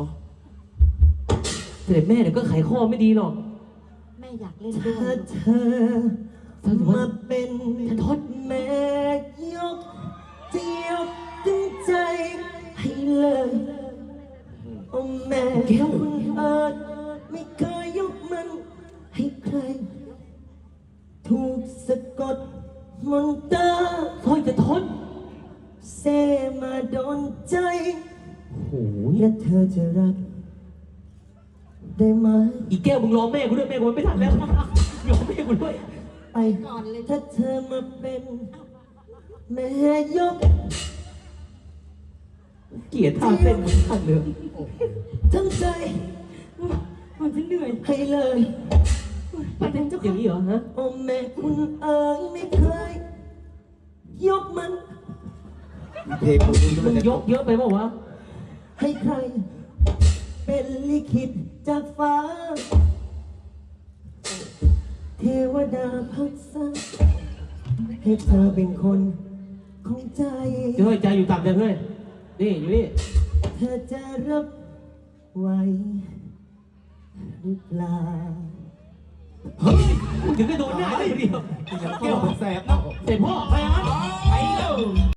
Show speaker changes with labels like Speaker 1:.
Speaker 1: เสด็จแม่เดี๋ยวก็ไขข้อไม่ดีหรอก
Speaker 2: แม่อยากเล่นด้วย
Speaker 3: ถ้าเธอมาเป็น
Speaker 1: ทศ
Speaker 3: แม่ยกจะยกตั้งใจให้เลยโอ้แม่คุณเอิญไม่เคยยกมันให้ใคร ถูกสะกดมนตรา
Speaker 1: สร้อยจะทศ
Speaker 3: เซมาโดนใจ
Speaker 1: โอ้โห
Speaker 3: และเธอจะรักได้ไหม
Speaker 1: อีแก้วมึงรอแม่กูด้วยแม่กูไม่ทันแล้วรอแม่กูด้วย
Speaker 3: ไปถ้าเธอมาเป็นแม่ยก
Speaker 1: เกลียดท่าเต้นมึงทันเลย
Speaker 3: ทั้งใจ
Speaker 2: มันจะเหนื่อย
Speaker 3: ให้เลย
Speaker 2: ไปเล่นเจ้า
Speaker 1: อย่างนี้เหรอฮะ
Speaker 3: โอ้แม่คุณเอ๋ยไม่เคยยกมัน
Speaker 4: เพลงมึง
Speaker 1: มึงยกเยอะไปเปล่าวะ
Speaker 3: ให้ใคร เป็นลิขิตจากฟ้า เทวดาพักษาให้เธอเป็นคนของใจ
Speaker 1: เฮ้ยใจอยู่ต่ำจังเฮ้ยนี่อยู่นี่
Speaker 3: เธอจะรับไว้หรือเปล่า
Speaker 1: เฮ้ยถึงได้โดนหน้าเลยเดียว
Speaker 4: แก้วมันแสบเนาะ
Speaker 1: เสร็จพ่อไปอ่ะไปเร็ว